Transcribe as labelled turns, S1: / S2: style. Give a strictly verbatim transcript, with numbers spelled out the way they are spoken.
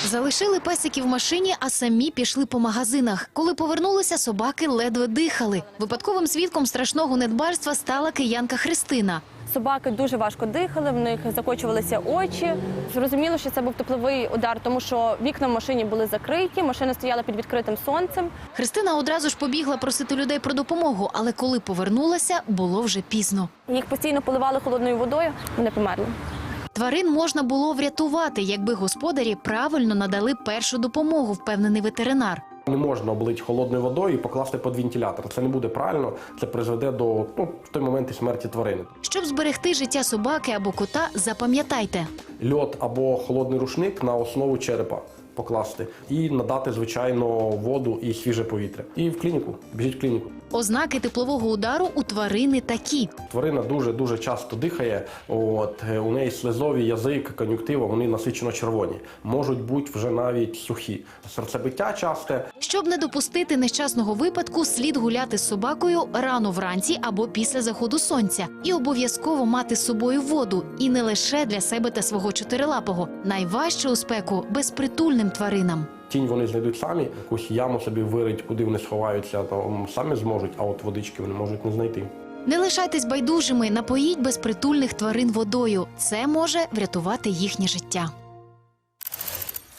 S1: Залишили песиків в машині, а самі пішли по магазинах. Коли повернулися, собаки ледве дихали. Випадковим свідком страшного недбальства стала киянка Христина.
S2: Собаки дуже важко дихали, в них закочувалися очі. Зрозуміло, що це був тепловий удар, тому що вікна в машині були закриті, машина стояла під відкритим сонцем.
S1: Христина одразу ж побігла просити людей про допомогу, але коли повернулася, було вже пізно.
S2: Їх постійно поливали холодною водою, вони померли.
S1: Тварин можна було врятувати, якби господарі правильно надали першу допомогу, впевнений ветеринар.
S3: Не можна облити холодною водою і покласти під вентилятор. Це не буде правильно, це призведе до ну, в той момент і смерті тварини.
S1: Щоб зберегти життя собаки або кота, запам'ятайте.
S3: Льод або холодний рушник на основу черепа покласти і надати, звичайно, воду і свіже повітря. І в клініку, біжіть в клініку.
S1: Ознаки теплового удару у тварини такі.
S3: Тварина дуже-дуже часто дихає, от, у неї слизові, язик, кон'юнктива, вони насичено червоні. Можуть бути вже навіть сухі. Серцебиття часте.
S1: Щоб не допустити нещасного випадку, слід гуляти з собакою рано вранці або після заходу сонця. І обов'язково мати з собою воду. І не лише для себе та свого чотирилапого. Найважче у спеку – безпритульним тваринам.
S3: Тінь вони знайдуть самі, якусь яму собі вирить, куди вони сховаються, то самі зможуть, а от водички вони можуть не знайти.
S1: Не лишайтесь байдужими, напоїть безпритульних тварин водою. Це може врятувати їхнє життя.